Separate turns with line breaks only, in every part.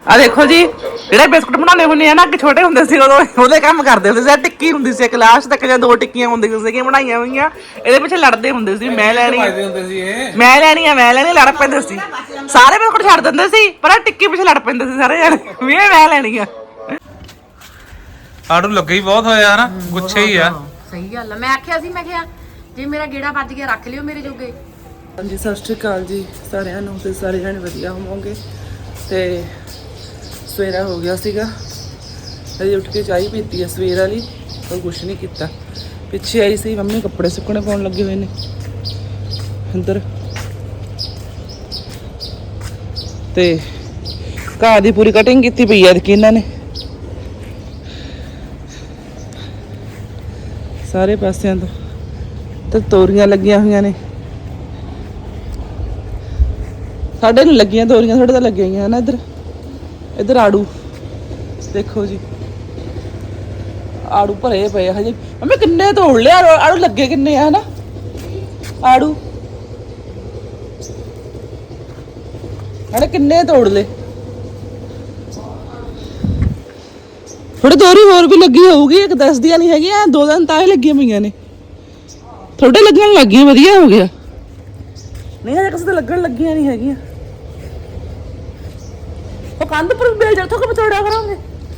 ਆ ਦੇਖੋ ਜੀ ਜਿਹੜੇ ਬਿਸਕੁਟ ਬਣਾਉਣੇ ਹੁੰਦੇ ਆ ਨਾ ਕਿ ਛੋਟੇ ਹੁੰਦੇ ਸੀ ਉਦੋਂ ਉਹਦੇ ਕੰਮ ਕਰਦੇ ਹੁੰਦੇ ਸੀ। ਟਿੱਕੀ ਹੁੰਦੀ ਸੀ ਕਲਾਸ ਤੱਕ ਜਾਂ 2 ਟਿੱਕੀਆਂ ਹੁੰਦੀਆਂ ਸੀਗੀਆਂ ਬਣਾਈਆਂ ਹੋਈਆਂ, ਇਹਦੇ ਪਿੱਛੇ ਲੜਦੇ ਹੁੰਦੇ ਸੀ, ਮੈਂ ਲੈਣੀ ਮੈਂ ਲੈਣੀ ਆ ਮੈਂ ਲੈਣੀ, ਲੜ ਪੈਂਦੇ ਸੀ ਸਾਰੇ। ਬਿਸਕੁਟ ਛੱਡ ਦਿੰਦੇ ਸੀ ਪਰ ਟਿੱਕੀ ਪਿੱਛੇ ਲੜ ਪੈਂਦੇ ਸੀ ਸਾਰੇ ਜਾਣੇ ਵੀ ਮੈਂ ਲੈਣੀ ਆ।
ਆੜੂ ਲੱਗੇ ਹੀ ਬਹੁਤ ਹੋਇਆ ਨਾ, ਗੁੱਛੇ ਹੀ ਆ।
ਸਹੀ ਗੱਲ ਆ, ਮੈਂ ਆਖਿਆ ਸੀ, ਮੈਂ ਕਿਹਾ ਜੇ ਮੇਰਾ ਗੇੜਾ ਵੱਜ ਗਿਆ ਰੱਖ ਲਿਓ ਮੇਰੇ ਜੋਗੇ।
ਹਾਂਜੀ ਸਤਿ ਸ਼੍ਰੀ ਅਕਾਲ ਜੀ ਸਾਰਿਆਂ ਨੂੰ, ਤੇ ਸਾਰੇ ਜਾਣੇ ਵਧੀਆ ਹੋਵੋਗੇ। ਤੇ ਸਵੇਰਾ ਹੋ ਗਿਆ ਸੀਗਾ, ਅਜੇ ਉੱਠ ਕੇ ਚਾਹ ਪੀਤੀ ਆ ਸਵੇਰ ਵਾਲੀ, ਕੋਈ ਕੁਛ ਨਹੀਂ ਕੀਤਾ। ਪਿੱਛੇ ਆਈ ਸੀ ਮੰਮੀ ਕੱਪੜੇ ਸੁੱਕਣੇ ਪਾਉਣ ਲੱਗੇ ਹੋਏ ਨੇ ਅੰਦਰ, ਤੇ ਘਾਹ ਦੀ ਪੂਰੀ ਕਟਿੰਗ ਕੀਤੀ ਪਈ ਆ ਕਿ ਇਹਨਾਂ ਨੇ ਸਾਰੇ ਪਾਸਿਆਂ ਤੋਂ, ਤੇ ਤੋਰੀਆਂ ਲੱਗੀਆਂ ਹੋਈਆਂ ਨੇ। ਸਾਡੇ ਨੂੰ ਲੱਗੀਆਂ ਤੋਰੀਆਂ, ਸਾਡੇ ਤਾਂ ਲੱਗੀਆਂ ਹੋਈਆਂ ਨਾ। ਇੱਧਰ ਇੱਧਰ ਆੜੂ ਦੇਖੋ ਜੀ, ਆੜੂ ਭਰੇ ਪਏ ਆ ਹਜੇ। ਮੰਮੀ ਕਿੰਨੇ ਤੋੜ ਲਿਆ ਆੜੂ, ਲੱਗੇ ਕਿੰਨੇ ਆ ਹਨਾ ਆੜੂ, ਹਣੇ ਕਿੰਨੇ ਤੋੜ ਲਏ। ਥੋੜੀ ਦੋਰੀ ਹੋਰ ਵੀ ਲੱਗੀ ਹੋਊਗੀ, ਇੱਕ ਦੱਸਦੀਆਂ ਨਹੀਂ ਹੈਗੀਆਂ, 2 ਦਿਨ ਤਾਂ ਹੀ ਲੱਗੀਆਂ ਪਈਆਂ ਨੇ। ਥੋੜੇ ਲੱਗਣ ਲੱਗੀਆਂ, ਵਧੀਆ ਹੋ ਗਿਆ। ਨਹੀਂ ਹਜੇ ਕਿਸੇ ਤੇ ਲੱਗਣ ਲੱਗੀਆਂ ਨਹੀਂ ਹੈਗੀਆਂ। ਉਹ ਕੰਧ ਪਰ ਬੇਲ ਜਾ ਥੋੜਾ ਬਚੋੜਾ ਕਰਾਂਗੇ।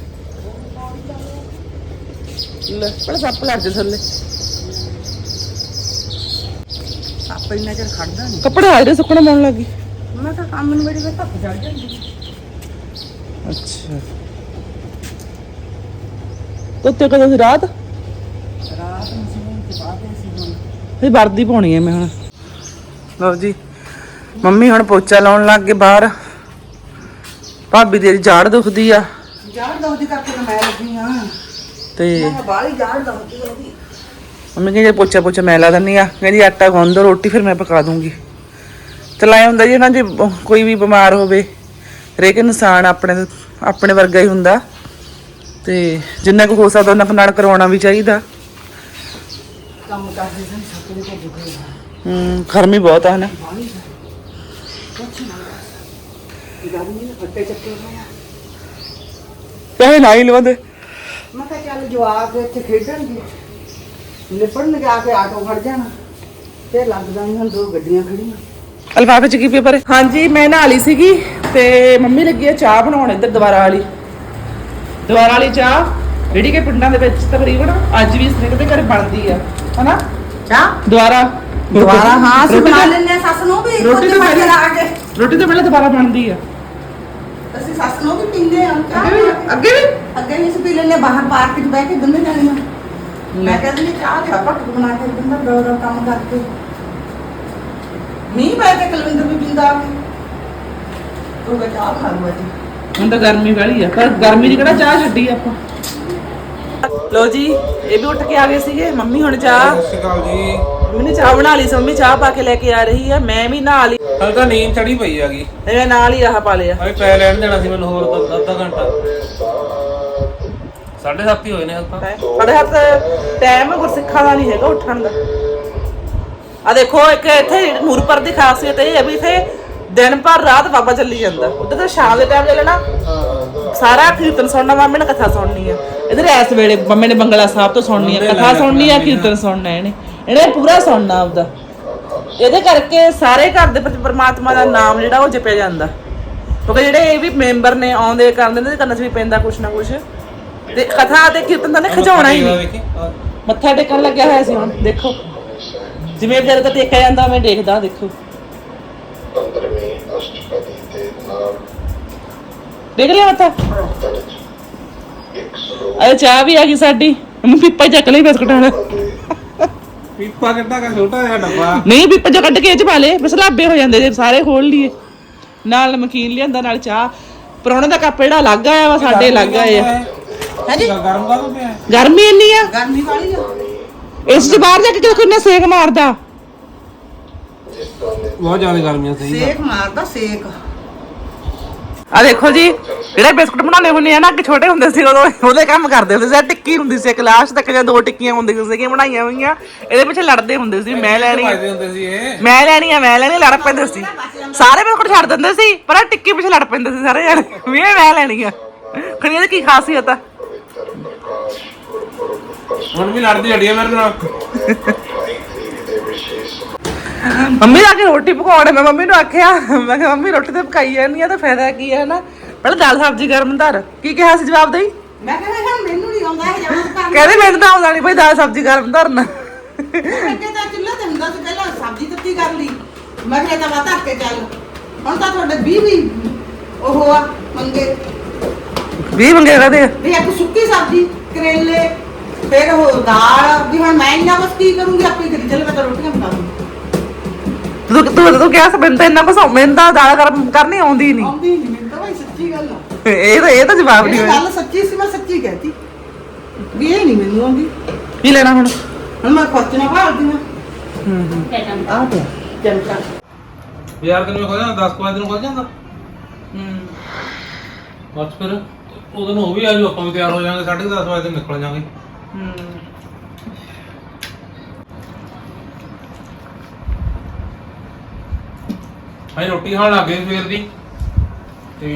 ਲੈ ਪਰ ਸੱਪ ਲੱਗ ਜਾ ਥੱਲੇ,
ਸੱਪ ਇੰਨਾ ਚਿਰ ਖੜਦਾ ਨਹੀਂ।
ਕੱਪੜੇ ਆੜੇ ਸੁੱਕਣੇ ਪਾਉਣ ਲੱਗੀ।
ਮੈਂ ਤਾਂ ਕੰਮ ਨੂੰ ਬੜੀ ਵੇ ਧੱਪ ਚੜ ਜਾਂਦੀ।
ਅੱਛਾ ਤੋਤੇ ਕਦੋਂ ਸੀ? ਰਾਤ
ਰਾਤ ਨੂੰ ਸੌਣ ਤੋਂ ਬਾਅਦ ਅਸੀਂ ਹੁਣ
ਇਹ ਵਰਦੀ ਪਾਉਣੀ ਹੈ ਮੈਂ ਹੁਣ। ਲਓ ਜੀ ਮੰਮੀ ਹੁਣ ਪੋਚਾ ਲਾਉਣ ਲੱਗ ਗਏ ਬਾਹਰ। ਭਾਬੀ ਦੀ ਜਾੜ ਦੁਖਦੀ ਆ,
ਜਾੜ ਦੋਦੀ ਕਰਕੇ ਤਾਂ ਮੈਂ ਲੱਗੀ ਆ,
ਤੇ
ਮੈਂ ਬਾਹਲੀ ਜਾੜ ਦੋਦੀ ਉਹਦੀ।
ਮੰਮੀ ਕਹਿੰਦੀ ਪੋਚਾ ਮੈਂ ਲਾ ਦਿੰਦੀ ਆ, ਕਹਿੰਦੀ ਆਟਾ ਗੁੰਨ ਦੋ, ਰੋਟੀ ਫਿਰ ਮੈਂ ਪਕਾ ਦੂੰਗੀ। ਚਲਾਇਆ ਹੁੰਦਾ ਜੀ ਨਾ, ਜੇ ਕੋਈ ਵੀ ਬਿਮਾਰ ਹੋਵੇ, ਹਰੇਕ ਇਨਸਾਨ ਆਪਣੇ ਵਰਗਾ ਹੀ ਹੁੰਦਾ, ਤੇ ਜਿੰਨਾ ਕੁ ਹੋ ਸਕਦਾ ਉਹਨਾਂ ਨਾਲ ਕਰਵਾਉਣਾ ਵੀ ਚਾਹੀਦਾ।
ਕੰਮ ਕਰਦੇ ਸਨ ਸੱਪ ਦੇ ਕੋਲ ਦੁਖੇ
ਗਰਮੀ ਬਹੁਤ ਆ ਨਾ।
ਗਰਮੀ ਨੇ ਫੱਟੇ ਚੱਕੇ ਹੋਇਆ।
ਪੈਸੇ ਨਾ ਹੀ ਲਵਾਂਦੇ।
ਮੈਂ ਕਿਹਾ ਚੱਲ ਜਵਾਕ ਇੱਥੇ ਖੇਡਣਗੇ, ਲਿਪੜਨਗੇ ਆ ਕੇ ਆਟੋ ਫੜ ਜਾਣਾ, ਤੇ ਲੱਗ ਜਾਣੀਆਂ 2 ਗੱਡੀਆਂ ਖੜੀਆਂ।
ਅਲਫਾਫੇ ਚ ਕੀ ਪੇਪਰ ਹੈ? ਹਾਂਜੀ ਮੈਂ ਨਹਾ ਲਈ ਸੀਗੀ, ਤੇ ਮੰਮੀ ਲੱਗੀ ਆ ਚਾਹ ਬਣਾਉਣ ਇੱਧਰ ਦੁਬਾਰਾ ਵਾਲੀ ਚਾਹ, ਜਿਹੜੀ ਕਿ ਪਿੰਡਾਂ ਦੇ ਵਿੱਚ ਤਕਰੀਬਨ ਅੱਜ ਵੀ ਸਨੇਕ ਦੇ ਘਰ ਬਣਦੀ ਆ ਹਨਾ
ਚਾਹ
ਦੁਬਾਰਾ
ਹਾਂ ਅਸੀਂ ਬਣਾ ਲੈਂਦੇ ਆ। ਸੱਸ ਨੂੰ ਵੀ
ਰੋਟੀ ਤੋਂ ਪਹਿਲਾਂ
ਆ ਕੇ
ਰੋਟੀ ਤੋਂ ਪਹਿਲਾਂ ਦੁਬਾਰਾ ਬਣਦੀ ਆ।
ਅਸੀਂ ਸੱਸ ਨੂੰ ਵੀ ਪੀਂਦੇ ਆ
ਅੱਗੇ
ਵੀ ਅਸੀਂ ਪੀ ਲੈਂਦੇ ਬਾਹਰ ਪਾਰਕ 'ਚ ਬਹਿ ਕੇ ਦੋਨੇ ਜਾਣੀਆਂ। ਮੈਂ ਕਹਿੰਦੀ ਨਹੀਂ ਚਾਹ ਤੇ ਆਪਾਂ ਬਣਾ ਕੇ ਦਿੰਦਾ, ਦੋ ਕੰਮ ਕਰਕੇ ਮੀਂਹ ਪੈ ਕੇ ਕੁਲਵਿੰਦਰ ਵੀ ਪੀਂਦਾ ਆ ਕੇ ਤੂੰ ਕਹ ਚਾਹ ਖਾ ਲੂਆ ਜੀ।
ਹੁਣ ਤਾਂ ਗਰਮੀ ਵਾਲੀ ਆ, ਪਰ ਗਰਮੀ ਦੀ ਕਿਹੜਾ ਚਾਹ ਛੱਡੀ ਆਪਾਂ। ਲੋ ਜੀ ਇਹ ਵੀ ਉੱਠ ਕੇ ਆ ਗਏ ਸੀਗੇ। ਮੰਮੀ ਹੁਣ ਚਾਹ,
ਸਤਿ ਸ਼੍ਰੀ ਅਕਾਲ ਜੀ।
ਮੰਮੀ ਨੇ ਚਾਹ ਬਣਾ ਲਈ ਸੀ, ਮੰਮੀ ਚਾਹ ਪਾ ਕੇ ਲੈ ਕੇ ਆ ਰਹੀ ਆ। ਮੈਂ ਵੀ ਨਹਾ ਲਈ,
ਹਲ ਤਾਂ ਨੀਂਦ ਚੜੀ ਪਈ ਆਗੀ,
ਮੈਂ ਨਾਲ ਹੀ ਆਹ ਪਾ ਲਿਆ।
ਅਰੇ ਪੈ ਲੈਣ ਦੇਣਾ ਸੀ ਮੈਨੂੰ ਹੋਰ ਅੱਧਾ ਘੰਟਾ। 7:30 ਹੀ ਹੋਏ ਨੇ ਹਲ ਤਾਂ।
ਸਾਡੇ ਹੱਥ ਟਾਈਮ ਗੁਰਸਿੱਖਾਂ ਦਾ ਨਹੀਂ ਹੈਗਾ ਉੱਠਣ ਦਾ। ਆ ਦੇਖੋ ਇੱਕ ਇੱਥੇ ਨੂਰਪੁਰ ਦੀ ਖਾਸੀਅਤ ਇਹ ਹੈ ਵੀ ਇੱਥੇ ਦਿਨ ਭਰ ਰਾਤ ਬਾਬਾ ਚੱਲੀ ਜਾਂਦਾ। ਉੱਧਰ ਤਾਂ ਸ਼ਾਮ ਦੇ ਟਾਈਮ ਚੱਲਣਾ, ਸਾਰਾ ਕੀਰਤਨ ਸੁਣਨਾ, ਮਾਮੇ ਨੇ ਕਥਾ ਸੁਣਨੀ ਆ। ਇੱਧਰ ਇਸ ਵੇਲੇ ਮੰਮੇ ਨੇ ਬੰਗਲਾ ਸਾਹਿਬ ਤੋਂ ਸੁਣਨੀ ਆ, ਕਥਾ ਸੁਣਨੀ ਆ, ਕੀਰਤਨ ਸੁਣਨਾ। ਇਹਨੇ ਪੂਰਾ ਸੁਣਨਾ ਆਪਦਾ। ਇਹਦੇ ਕਰਕੇ ਸਾਰੇ ਘਰ ਦੇ ਵਿੱਚ ਪਰਮਾਤਮਾ ਦਾ ਨਾਮ ਜਿਹੜਾ ਉਹ ਜਪਿਆ ਜਾਂਦਾ, ਕਿਉਂਕਿ ਜਿਹੜੇ ਇਹ ਵੀ ਮੈਂਬਰ ਨੇ ਆਉਂਦੇ ਕਰਦੇ ਨੇ, ਕੰਨ 'ਚ ਵੀ ਪੈਂਦਾ ਕੁਛ ਨਾ ਕੁਛ। ਤੇ ਕਥਾ ਤੇ ਕੀਰਤਨ ਤਾਂ ਨੇ ਖਿਜਾਉਣਾ ਹੀ ਨਹੀਂ। ਮੱਥਾ ਟੇਕਣ ਲੱਗਿਆ ਹੋਇਆ ਸੀ, ਹੁਣ ਦੇਖੋ ਜਿਵੇਂ ਵਿਚਾਰੇ ਤਾਂ ਟੇਕਿਆ ਜਾਂਦਾ ਮੈਂ ਦੇਖਦਾ। ਦੇਖੋ ਦੇਖ ਲਿਆ ਮੱਥਾ। ਅਰੇ ਚਾਹ ਵੀ ਆ ਗਈ ਸਾਡੀ। ਮੰਮੀ ਪੀਪਾ ਚੱਕ ਲਈ ਬਿਸਕੁਟਾਂ ਦਾ।
ਪੀਪਾ ਕਿੱਡਾ ਕਾ ਛੋਟਾ ਜਿਹਾ ਡੱਬਾ।
ਨਹੀਂ ਪੀਪਾ ਜੋ ਕੱਢ ਕੇ ਇਹ ਚ ਪਾ ਲੇ, ਬਸ ਲਾਬੇ ਹੋ ਜਾਂਦੇ ਜੇ ਸਾਰੇ ਖੋਲ ਲਈਏ। ਨਾਲ ਨਮਕੀਨ ਲਿਆਂਦਾ, ਨਾਲ ਚਾਹ। ਪਰੌਣੇ ਦਾ ਕੱਪ ਜਿਹੜਾ ਅਲੱਗ ਆਇਆ ਵਾ, ਸਾਡੇ ਅਲੱਗ ਆਏ ਆ।
ਹਾਂਜੀ
ਗਰਮ ਕਾਹਦੋਂ ਪਿਆ?
ਗਰਮੀ ਇੰਨੀ ਆ,
ਗਰਮੀ ਵਾਲੀ ਆ।
ਇਸ ਤੋਂ ਬਾਹਰ ਜਾ ਕੇ ਕਿੰਨਾ ਸੇਕ ਮਾਰਦਾ।
ਬਹੁਤ ਜ਼ਿਆਦਾ ਗਰਮੀਆਂ ਸਹੀ।
ਸੇਕ ਮਾਰਦਾ ਸੇਕ।
ਆ ਦੇਖੋ ਜੀ ਜਿਹੜੇ ਬਿਸਕੁਟ ਬਣਾਉਣੇ ਹੁੰਦੇ ਆ ਨਾ ਕਿ ਛੋਟੇ ਹੁੰਦੇ ਸੀ ਉਦੋਂ ਉਹਦੇ ਕੰਮ ਕਰਦੇ ਹੁੰਦੇ ਸੀ। ਟਿੱਕੀ ਹੁੰਦੀ ਸੀ ਕਲਾਸ ਤੱਕ ਜਾਂ 2 ਟਿੱਕੀਆਂ ਹੁੰਦੀਆਂ ਸੀਗੀਆਂ ਬਣਾਈਆਂ ਹੋਈਆਂ, ਇਹਦੇ ਪਿੱਛੇ ਲੜਦੇ ਹੁੰਦੇ ਸੀ ਮੈਂ ਲੈਣੀ
ਭਾਜਦੇ ਹੁੰਦੇ ਸੀ ਇਹ।
ਮੈਂ ਲੈਣੀ ਆ ਲੜ ਪੈਂਦੇ ਸੀ ਸਾਰੇ। ਬਿਸਕੁਟ ਛੱਡ ਦਿੰਦੇ ਸੀ ਪਰ ਇਹ ਟਿੱਕੀ ਪਿੱਛੇ ਲੜ ਪੈਂਦੇ ਸੀ ਸਾਰੇ ਜਾਣੇ ਵੀ ਇਹ ਮੈਂ ਲੈਣੀ ਆ। ਖਣੀ ਇਹਦੀ ਕੀ ਖਾਸੀਅਤ ਆ?
ਹੁਣ ਵੀ ਲੜਦੀ ਹੱਡੀ ਆ ਮੇਰੇ ਨਾਲ।
ਮੰਮੀ ਆ ਕੇ ਰੋਟੀ ਪਕਾਉਣੇ, ਮੈਂ ਮੰਮੀ ਨੂੰ ਆਖਿਆ ਮੈਂ ਕਿਹਾ ਮੰਮੀ ਰੋਟੀ ਤੇ ਪਕਾਈ ਜਾਂਦੀ ਆ ਤਾਂ ਫਾਇਦਾ ਕੀ ਹੈ ਨਾ, ਪਹਿਲਾਂ ਦਾਲ ਸਬਜ਼ੀ ਗਰਮ ਧਰ। ਕੀ ਕਿਹਾ ਸੀ ਜਵਾਬ ਦੇਈ?
ਮੈਂ ਕਹਿੰਦਾ ਮੈਨੂੰ ਨਹੀਂ ਆਉਂਦਾ ਇਹ ਜਵਾਬ ਕਰਨਾ।
ਕਹਿੰਦੇ ਮੈਨੂੰ ਤਾਂ ਆਉਂਦਾ ਨਹੀਂ ਭਾਈ ਦਾਲ ਸਬਜ਼ੀ ਗਰਮ ਧਰਨਾ।
ਮੈਂ ਤਾਂ ਚੁੱਲ੍ਹੇ ਤੇ ਹੁੰਦਾ ਸੀ ਪਹਿਲਾਂ ਸਬਜ਼ੀ ਤੱਤੀ ਕਰ ਲਈ, ਮੈਂ ਕਿਹਾ ਤਾਂ ਧਰ ਕੇ ਚੱਲ। ਹੁਣ ਤਾਂ ਤੁਹਾਡੇ 20 ਵੀ ਉਹ ਆ ਮੰਗੇ
20 ਮੰਗੇ ਕਹਦੇ
ਵੀ ਇੱਕ ਸੁੱਕੀ ਸਬਜ਼ੀ ਕਰੇਲੇ ਫਿਰ ਉਹ ਦਾਲ ਵੀ। ਹੁਣ ਮੈਂ ਇੰਨਾ ਕੁਛ ਕੀ ਕਰੂੰਗੀ, ਆਪੇ ਕਰੀ ਚੱਲ, ਮੈਂ ਤਾਂ ਰੋਟੀਆਂ ਬਣਾ ਦੂੰ।
ਤੂੰ ਕਿਹਾ ਸੀ ਮੈਨੂੰ ਤਾਂ ਇੰਨਾ ਕੁਛ ਮੈਨੂੰ ਤਾਂ ਦਾਲ ਗਰਮ ਕਰਨੀ ਆਉਂਦੀ ਨਹੀਂ।
ਆਉਂਦੀ ਨਹੀਂ ਮੈਨੂੰ ਤਾਂ ਭਾਈ, ਸੱਚੀ ਗੱਲ ਆ।
ਇਹ ਤਾਂ ਜਵਾਬ ਨਹੀਂ
ਇਹ
ਹੋਇਆ।
ਗੱਲ ਸੱਚੀ ਸੀ, ਮੈਂ ਸੱਚੀ ਕਹਿਤੀ ਵੀ ਇਹ ਨਹੀਂ ਮੈਨੂੰ ਆਉਂਦੀ।
ਕੀ ਲੈਣਾ ਹੁਣ?
ਹੁਣ ਮੈਂ ਖਰਚਣਾ ਭਾਲਦੀ ਆ। ਆ ਪਿਆ ਚਮਚਾ।
ਯਾਰ ਕਿੰਨੇ ਖੋਲ ਜਾਂਦਾ? 10 ਵਜੇ ਨੂੰ ਖੋਲ ਜਾਂਦਾ। ਬਸ ਫਿਰ ਉਦੋਂ ਨੂੰ ਉਹ ਵੀ ਆ ਜਾਊ, ਆਪਾਂ ਵੀ ਤਿਆਰ ਹੋ ਜਾਵਾਂਗੇ। 10:30 ਵਜੇ ਤੱਕ ਨਿਕਲ ਜਾਵਾਂਗੇ। ਅਸੀਂ ਰੋਟੀ ਖਾਣ ਲੱਗ ਗਏ ਸਵੇਰ ਦੀ ਤੇ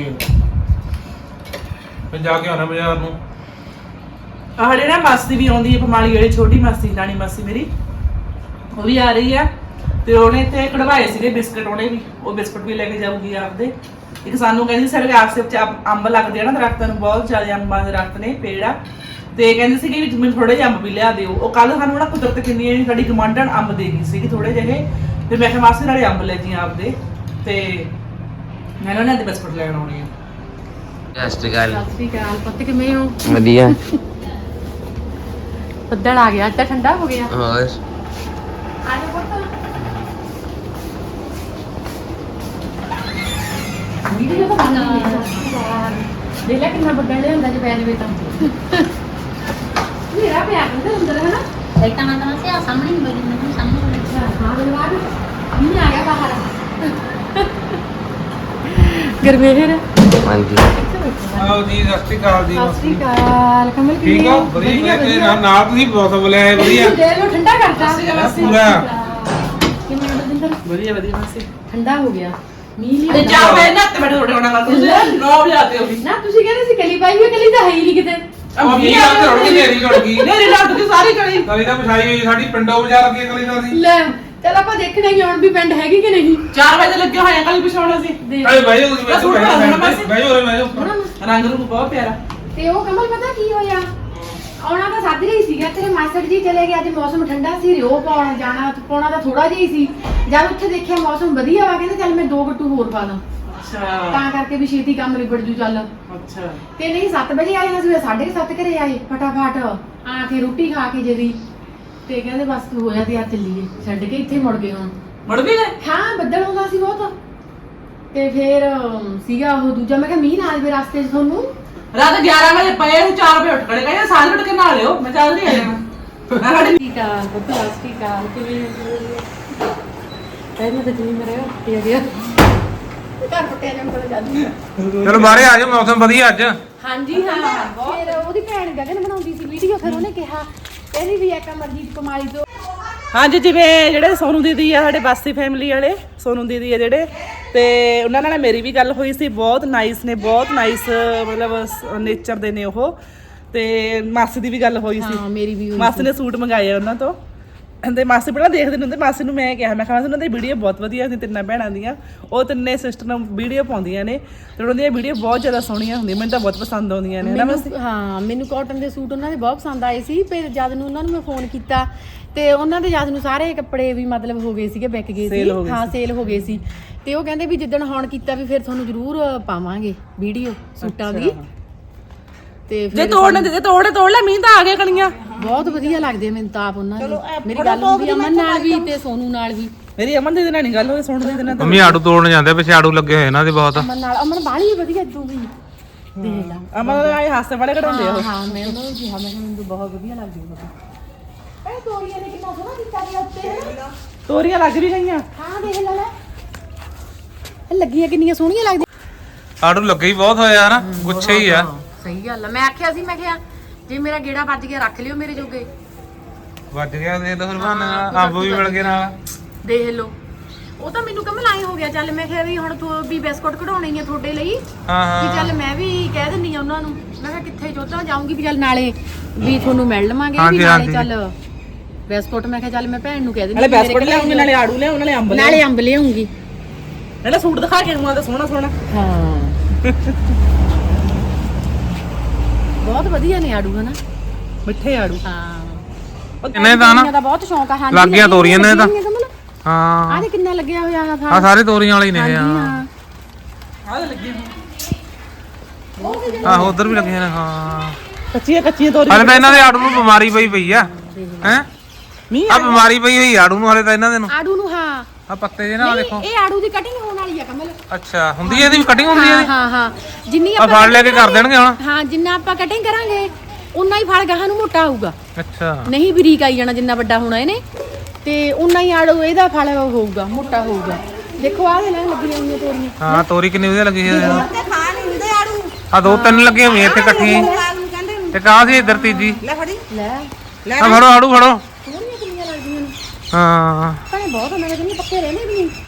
ਫਿਰ ਜਾ ਕੇ ਆਉਣਾ ਬਾਜ਼ਾਰ ਨੂੰ।
ਆਹ ਜਿਹੜੀ ਨਾ ਮਾਸੀ ਵੀ ਆਉਂਦੀ ਹੈ ਪਮਾਲੀ ਵਾਲੀ, ਛੋਟੀ ਮਾਸੀ, ਨਾਨੀ ਮਾਸੀ ਮੇਰੀ, ਉਹ ਵੀ ਆ ਰਹੀ ਆ। ਤੇ ਉਹਨੇ ਇੱਥੇ ਕਢਵਾਏ ਸੀਗੇ ਬਿਸਕਟ, ਉਹਨੇ ਵੀ ਉਹ ਬਿਸਕਟ ਵੀ ਲੈ ਕੇ ਜਾਊਗੀ ਆਪਦੇ। ਇੱਕ ਸਾਨੂੰ ਕਹਿੰਦੀ ਸਾਡੇ ਆਸੇ ਵਿੱਚ ਅੰਬ ਲੱਗਦੇ ਆ ਨਾ ਦਰਖਤਾਂ ਨੂੰ, ਬਹੁਤ ਜ਼ਿਆਦਾ ਅੰਬਾਂ ਦੇ ਦਰਖਤ ਨੇ, ਪੇੜ ਆ। ਤੇ ਕਹਿੰਦੀ ਸੀਗੀ ਵੀ ਮੈਨੂੰ ਥੋੜੇ ਜਿਹੇ ਅੰਬ ਵੀ ਲਿਆ ਦਿਓ। ਉਹ ਕੱਲ ਸਾਨੂੰ ਨਾ ਕੁਦਰਤ ਕਿੰਨੀ ਸਾਡੀ ਗਮਾਂਡਣ ਅੰਬ ਦੇ ਗਈ ਸੀਗੀ ਥੋੜੇ ਜਿਹੇ। ਤੇ ਮੈਂ ਕਿਹਾ ਮਾਸੀ ਨਾਲੇ ਅੰਬ ਲੈ ਜੀ ਆਪਦੇ, ਤੇ ਮੈਂ ਉਹਨਾਂ ਦੇ ਬਿਸਕਟ ਲੈਣ ਆਉਣੀ ਆ।
ਸਤਿ ਸ਼੍ਰੀ ਅਕਾਲ।
ਸਤਿ ਸ਼੍ਰੀ ਅਕਾਲ ਪੁੱਤ, ਕਿਵੇਂ ਹੋ?
ਵਧੀਆ।
ਬੱਦਲ ਆ ਗਿਆ, ਅੱਜ ਤਾਂ ਠੰਡਾ ਹੋ ਗਿਆ।
ਹੋਰ
ਆ ਜਾ ਪੁੱਤ। ਵੀਡੀਓ ਤਾਂ ਬਣਾ ਦੇ ਲੈ ਕਿੰਨਾ ਬੱਦਲ ਲਿਆਂਦਾ ਜੇ ਪੈ ਜਵੇ ਤਾਂ। ਮੇਰਾ ਪਿਆ ਕਿੰਨੇ ਅੰਦਰ ਹੈ ਨਾ।
ਇੱਕ ਤਾਂ ਮੈਂ ਤਾਂ ਸਿਆ ਸਾਹਮਣੇ ਹੀ ਬੈਠੀ ਮੈਂ ਸਾਹਮਣੇ
ਹਾਂ ਬਲਵਾਦ ਨਹੀਂ ਆ ਗਿਆ ਬਾਹਰ। ਗਰਮੇਰ
ਹਾਂਜੀ।
ਆਓ ਜੀ, ਸਤਿ ਸ਼੍ਰੀ ਅਕਾਲ ਜੀ।
ਸਤਿ ਸ਼੍ਰੀ ਅਕਾਲ ਕਮਲ, ਕਿਵੇਂ
ਠੀਕ ਹੋ? ਵਧੀਆ ਤੇ ਨਾਲ ਤੁਸੀਂ ਮੌਸਮ ਬੁਲਾਇਆ ਵਧੀਆ
ਦੇ ਲੋ ਠੰਡਾ ਕਰਤਾ
ਪੂਰਾ।
ਕਿਵੇਂ ਬਦਿੰਦਰ?
ਵਧੀਆ ਵਧੀਆ ਮਾਸੀ।
ਠੰਡਾ ਹੋ ਗਿਆ, ਮੀਂਹ
ਤੇ
ਲਿਆ।
ਜਾ ਮੈਂ ਨਾ ਤੇ ਬੜੇ ਹੋਣਾ ਗੱਲ ਤੁਸੀਂ 9 ਵਜੇ ਆਤੇ ਹੋ।
ਨਾ ਤੁਸੀਂ ਕਹਿੰਦੇ ਸੀ ਕਲੀ ਪਾਈ ਹੋਈ, ਕਲੀ ਤਾਂ ਹੈ ਹੀ ਨਹੀਂ ਕਿਤੇ।
ਉਹ ਮੀਂਹ ਆ ਕੇ ਰੁੜ ਗਈ, ਨੇਰੀ ਰੁੜ ਗਈ।
ਮੇਰੀ ਲੱਗ ਗਈ ਸਾਰੀ ਕਲੀ।
ਕਲੀ ਤਾਂ ਵਿਛਾਈ ਹੋਈ ਸਾਡੀ ਪਿੰਡੋਂ ਬਾਜ਼ਾਰ ਅੱਗੇ ਕਲੀ ਦਾ ਸੀ।
ਲੈ ਚਲ ਆਪਾਂ ਦੇਖਣਾ ਹੀ ਹੁਣ ਵੀ ਪਿੰਡ ਹੈਗੀ ਕਿ ਨਹੀਂ।
4 ਵਜੇ ਲੱਗੇ ਹੋਏ ਆ ਕਲੀ ਵਿਛਾਉਣਾ ਸੀ।
ਦੇਖ।
ਅਰੇ ਭਾਈ ਤੁਸੀਂ ਬੈਠੋ ਬੈਠੋ।
ਰੰਗ ਰੂਪ ਬਹੁਤ ਪਿਆਰਾ।
ਤੇ ਉਹ ਕਮਲ ਪਤਾ ਕੀ ਹੋਇਆ, ਆਉਣਾ ਤਾਂ ਸੱਦ ਰਹੀ ਸੀਗਾ, ਤੇਰੇ ਮਾਸੜ ਜੀ ਚਲੇ ਗਏ। ਅੱਜ ਮੌਸਮ ਠੰਡਾ ਸੀ, ਰਿਓ ਪਾਉਣ ਜਾਣਾ ਪਾਉਣਾ ਤਾਂ ਥੋੜਾ ਜਿਹਾ ਹੀ ਸੀ। ਜਦ ਉੱਥੇ ਦੇਖਿਆ ਮੌਸਮ ਵਧੀਆ ਵਾ, ਕਹਿੰਦੇ ਚੱਲ ਮੈਂ 2 ਗੱਟੂ ਹੋਰ ਪਾ ਦਾਂ,
ਅੱਛਾ
ਤਾਂ ਕਰਕੇ ਵੀ ਛੇਤੀ ਕੰਮ ਨਿਬੜ ਜੂ ਚੱਲ।
ਅੱਛਾ
ਤੇ ਨਹੀਂ 7 ਵਜੇ ਆਏ ਨਾ, ਸਵੇਰ 7:30 ਘਰੇ ਆਏ ਫਟਾਫਟ ਆ ਕੇ ਰੋਟੀ ਖਾ ਕੇ ਜਦੀ। ਤੇ ਕਹਿੰਦੇ ਬਸ ਤੂੰ ਹੋਇਆ ਤੇ ਆ ਚੱਲੀਏ, ਛੱਡ ਕੇ ਇੱਥੇ ਮੁੜ ਗਏ। ਹੁਣ
ਮੁੜ ਵੀ ਗਏ?
ਹਾਂ ਬੱਦਲ ਹੁੰਦਾ ਸੀ ਬਹੁਤ। ਤੇ ਫੇਰ ਸੀਗਾ ਉਹ ਦੂਜਾ, ਮੈਂ ਕਿਹਾ ਮੀਂਹ ਨਾ ਆਵੇ ਰਸਤੇ 'ਚ ਤੁਹਾਨੂੰ।
ਰਾਤ 11 ਵਜੇ ਪਏ ਸੀ, 4 ਵਜੇ ਉੱਠ ਖੜੇ, ਕਹਿੰਦੇ ਸਾਰੇ ਉੱਠ ਕੇ ਨਹਾ ਲਿਓ, ਮੈਂ ਚੱਲ ਨਹੀਂ ਆ ਜਾਣਾ।
ਠੀਕ ਆ ਬੱਦਲ ਠੀਕ ਆ, ਕਿਵੇਂ ਕਹਿੰਦੇ ਤਾਂ ਜਿਵੇਂ ਮੇਰੇ ਉੱਤੇ ਆ ਗਿਆ ਘਰ ਪੱਟਿਆ ਜਾਂ ਕੋਲ ਜਾਂਦੀ।
ਚਲੋ ਬਾਹਰੇ ਆ ਜਾਓ, ਮੌਸਮ ਵਧੀਆ ਅੱਜ।
ਹਾਂਜੀ ਹਾਂ। ਫਿਰ ਉਹਦੀ ਭੈਣ ਗਗਨ ਬਣਾਉਂਦੀ ਸੀ ਵੀਡੀਓ, ਫਿਰ ਉਹਨੇ ਕਿਹਾ ਕਹਿੰਦੀ ਵੀ ਇੱਕ ਅਮਰਜੀਤ ਕਮਾਲੀ ਤੋਂ।
ਹਾਂਜੀ, ਜਿਵੇਂ ਜਿਹੜੇ ਸੋਨੂ ਦੀਦੀ ਆ ਸਾਡੇ ਬਾਸੀ ਫੈਮਿਲੀ ਵਾਲੇ, ਸੋਨੂ ਦੀਦੀ ਆ ਜਿਹੜੇ, ਤੇ ਉਹਨਾਂ ਨਾਲ ਮੇਰੀ ਵੀ ਗੱਲ ਹੋਈ ਸੀ। ਬਹੁਤ ਨਾਈਸ ਨੇ, ਬਹੁਤ ਨਾਈਸ ਮਤਲਬ ਨੇਚਰ ਦੇ ਨੇ ਉਹ। ਤੇ ਮਾਸੀ ਦੀ ਵੀ ਗੱਲ ਹੋਈ ਸੀ।
ਹਾਂ ਮੇਰੀ ਵੀ
ਮਾਸੀ ਨੇ ਸੂਟ ਮੰਗਾਏ ਆ ਉਹਨਾਂ ਤੋਂ। ਤੇ ਮਾਸੀ ਪਹਿਲਾਂ ਦੇਖਦੇ ਹੁੰਦੇ, ਮਾਸੀ ਨੂੰ ਮੈਂ ਕਿਹਾ, ਮੈਂ ਕਿਹਾ ਉਹਨਾਂ ਦੀ ਵੀਡੀਓ ਬਹੁਤ ਵਧੀਆ ਸੀ, ਤਿੰਨਾਂ ਭੈਣਾਂ ਦੀਆਂ। ਉਹ ਤਿੰਨੇ ਸਿਸਟਰ ਨੂੰ ਵੀਡੀਓ ਪਾਉਂਦੀਆਂ ਨੇ ਤੇ ਉਹਨਾਂ ਦੀਆਂ ਵੀਡੀਓ ਬਹੁਤ ਜ਼ਿਆਦਾ ਸੋਹਣੀਆਂ ਹੁੰਦੀਆਂ, ਮੈਨੂੰ ਤਾਂ ਬਹੁਤ ਪਸੰਦ ਆਉਂਦੀਆਂ ਨੇ ਨਾ ਮਾਸੀ।
ਹਾਂ ਮੈਨੂੰ ਕਾਟਨ ਦੇ ਸੂਟ ਉਹਨਾਂ ਦੇ ਬਹੁਤ ਪਸੰਦ ਆਏ ਸੀ। ਫਿਰ ਜਦ ਨੂੰ ਉਹਨਾਂ ਨੂੰ ਮੈਂ ਫੋਨ ਕੀਤਾ ਤੇ ਉਹਨਾਂ ਦੇ ਜਦ ਨੂੰ ਸਾਰੇ ਕੱਪੜੇ ਵੀ ਮਤਲਬ ਹੋ ਗਏ ਸੀਗੇ, ਵਿਕ ਗਏ ਸੀ। ਹਾਂ ਸੇਲ ਹੋ ਗਏ ਸੀ। ਤੇ ਉਹ ਕਹਿੰਦੇ ਵੀ ਜਿੱਦਣ ਹੁਣ ਕੀਤਾ ਵੀ ਫਿਰ ਤੁਹਾਨੂੰ ਜ਼ਰੂਰ ਪਾਵਾਂਗੇ ਵੀਡੀਓ ਸੂਟਾਂ ਦੀ। ਤੇ
ਜੇ ਤੋੜਨੇ ਦੇ ਤੋੜ ਲੈ, ਮੀਂਹ ਤਾਂ ਆ ਗਿਆ ਕਣੀਆਂ।
ਬਹੁਤ ਵਧੀਆ ਲੱਗਦੇ ਮੈਨੂੰ ਤਾਂ ਆਪ ਉਹਨਾਂ ਦੀ। ਮੇਰੀ ਗੱਲ ਹੁੰਦੀ ਅਮਨ ਨਾਲ ਵੀ ਤੇ ਸੋਨੂ ਨਾਲ ਵੀ।
ਮੇਰੀ ਅਮਨ ਦੀਦੀ ਨਾਲ ਨਹੀਂ ਗੱਲ ਹੋਈ, ਸੁਣ ਦੀਦੀ ਨਾਲ ਤਾਂ।
ਮੰਮੀ ਆੜੂ ਤੋੜਨ ਜਾਂਦੇ, ਪਿੱਛੇ ਆੜੂ ਲੱਗੇ ਹੋਏ ਇਹਨਾਂ ਦੇ ਬਹੁਤ।
ਅਮਨ ਨਾਲ, ਅਮਨ ਬਾਹਲੀ ਵਧੀਆ ਦੂਗੀ। ਦੇਖ ਲਾ
ਅਮਨ ਆਏ ਹਾਸੇ ਵਾਲੇ ਕਢਾਉਂਦੇ ਆ ਉਹ।
ਹਾਂ ਮੈਂ ਉਹਨਾਂ ਨੂੰ ਕਿਹਾ, ਮੈਂ ਕਿਹਾ ਮੈਨੂੰ ਬਹੁਤ ਵਧੀਆ ਲੱਗਦੀ ਉਹ। ਇਹ ਤੋਰੀਆਂ ਨੇ ਕਿੰਨਾ ਸੋਹਣਾ ਕੀਤਾ ਗਿਆ ਉੱਤੇ ਹੈ।
ਤੋਰੀਆਂ ਲੱਗ ਵੀ ਗਈਆਂ।
ਹਾਂ ਦੇਖ ਲੈ ਲੈ, ਇਹ ਲੱਗੀਆਂ ਕਿੰਨੀਆਂ ਸੋਹਣੀਆਂ ਲੱਗਦੀਆਂ।
ਆੜੂ ਲੱਗੇ ਹੀ ਬਹੁਤ ਹੋਇਆ ਹਨਾ ਗੁੱਛੇ ਹੀ ਆ
ਸਹੀ ਗੱਲ ਆ ਮੈਂ ਆਖਿਆ ਸੀ ਮੈਂ ਕਿਹਾ ਜੇ ਮੇਰਾ ਗੇੜਾ ਵੱਜ ਗਿਆ ਰੱਖ ਲਿਓ ਮੇਰੇ ਜੋਗੇ
ਵੱਜ ਗਿਆ ਦੇ ਤਾਂ ਫਿਰ ਬਹਾਨੇ ਅੰਬ ਵੀ ਮਿਲ ਗਏ ਨਾਲ
ਦੇਖ ਲਓ ਉਹ ਤਾਂ ਮੈਨੂੰ ਕਮਲ ਆਏ ਹੋ ਗਿਆ ਚੱਲ ਮੈਂ ਕਿਹਾ ਵੀ ਹੁਣ ਤੂੰ ਵੀ ਬਿਸਕੁਟ ਕਢਾਉਣੇ ਹੀ ਆ ਤੁਹਾਡੇ ਲਈ
ਹਾਂ
ਵੀ ਚੱਲ ਮੈਂ ਵੀ ਕਹਿ ਦਿੰਨੀ ਆ ਉਹਨਾਂ ਨੂੰ ਮੈਂ ਕਿਹਾ ਕਿੱਥੇ ਜੋਤਾਂ ਜਾਊਂਗੀ ਵੀ ਚੱਲ ਨਾਲੇ ਵੀ ਤੁਹਾਨੂੰ ਮਿਲ ਲਵਾਂਗੇ ਵੀ ਨਾਲੇ ਚੱਲ ਬਿਸਕੁਟ ਮੈਂ ਕਿਹਾ ਚੱਲ ਮੈਂ ਭੈਣ ਨੂੰ ਕਹਿ ਦਿੰਦੀ
ਨਾਲੇ ਬਿਸਕੁਟ ਲਿਆਉਂਗੀ ਨਾਲੇ ਆੜੂ ਲਿਆਉਂ
ਨਾਲੇ ਅੰਬ ਲਿਆਉਂਗੀ
ਨਾਲੇ ਸੂਟ ਦਿਖਾ ਕੇ ਆਉਂਗਾ ਤਾਂ ਸੋਹਣਾ ਸੋਹਣਾ
ਹਾਂ ਬਹੁਤ ਵਧੀਆ ਨੇ ਆੜੂ ਹਨਾ
ਮਿੱਠੇ ਆੜੂ
ਹਾਂ
ਕਿੰਨੇ ਦਾ ਨਾ
ਦਾ ਬਹੁਤ ਸ਼ੌਂਕ ਆ ਹਾਂਜੀ
ਲੱਗ ਗਿਆ ਤੋਰੀਆਂ ਨੇ ਤਾਂ
ਕਮਲ
ਹਾਂ
ਆਹ ਦੇ ਕਿੰਨਾ ਲੱਗਿਆ ਹੋਇਆ ਆ
ਆ ਸਾਰੇ ਤੋਰੀਆਂ ਵਾਲੇ ਹੀ ਨੇ ਇਹ
ਹਾਂ
ਆਹ ਲੱਗੀ
ਆਹੋ ਉਧਰ ਵੀ ਲੱਗੇ ਨੇ ਹਾਂ
ਕੱਚੀਆਂ ਤੋਰੀ
ਹਲੇ ਤਾਂ ਇਹਨਾਂ ਦੇ ਆੜੂ ਨੂੰ ਬਿਮਾਰੀ ਪਈ ਆ ਹੈ
ਮੀਂਹ
ਆ ਬਿਮਾਰੀ ਪਈ ਹੋਈ ਆੜੂ ਨੂੰ ਹਲੇ ਤਾਂ ਇਹਨਾਂ ਦੇ ਨੂੰ
ਆੜੂ ਨੂੰ ਹਾਂ
ਆ ਪੱਤੇ ਜੇ ਨਾ ਦੇਖੋ
ਇਹ ਆੜੂ ਦੀ ਕਟਿੰਗ ਹੋਣ ਵਾਲੀ ਆ ਕਮਲ
ਅੱਛਾ ਹੁੰਦੀ ਹੈ ਇਹਦੀ ਵੀ ਕਟਿੰਗ ਹੁੰਦੀ ਹੈ
ਹਾਂ ਹਾਂ ਜਿੰਨੀ
ਆ ਫੜ ਲੈ ਕੇ ਕਰ ਦੇਣਗੇ ਹੁਣ
ਹਾਂ ਜਿੰਨਾ ਆਪਾਂ ਕਟਿੰਗ ਕਰਾਂਗੇ ਉਨਾ ਹੀ ਫਲ ਗਾਹਾਂ ਨੂੰ ਮੋਟਾ ਹੋਊਗਾ
ਅੱਛਾ
ਨਹੀਂ ਬਰੀਕ ਆਈ ਜਾਣਾ ਜਿੰਨਾ ਵੱਡਾ ਹੋਣਾ ਇਹਨੇ ਤੇ ਉਨਾ ਹੀ ਆੜੂ ਇਹਦਾ ਫਲ ਹੋਊਗਾ ਮੋਟਾ ਹੋਊਗਾ ਦੇਖੋ ਆਹ ਦੇ ਨਾਲ ਲੱਗੀਆਂ ਹੋਈਆਂ ਤੋਰੀਆਂ
ਹਾਂ ਤੋਰੀ ਕਿੰਨੀ ਵਧੀਆ ਲੱਗੀ ਹੈ
ਤੇ ਖਾ ਨਹੀਂ ਹੁੰਦੇ ਆੜੂ
ਆ ਦੋ ਤਿੰਨ ਲੱਗੀਆਂ ਹੋਈਆਂ ਇੱਥੇ ਇਕੱਠੀਆਂ ਹੀ।
ਲਾਲ ਨੂੰ ਕਹਿੰਦੇ ਨੇ।
ਤੇ ਕਾਹ ਸੀ ਇੱਧਰ ਤੀਜੀ
ਲੈ ਫੜੀ
ਲੈ
ਆ ਫੜੋ ਆੜੂ ਫੜੋ
ਤੋਰੀਆਂ ਕਿੰਨੀਆਂ ਲੱਗਦੀਆਂ ਨੇ
ਹਾਂ
ਭਾਵੇਂ ਬਹੁਤ ਉਹਨਾਂ ਦੇ ਪੱਕੇ ਰਹਿੰਦੇ ਵੀ ਨਹੀਂ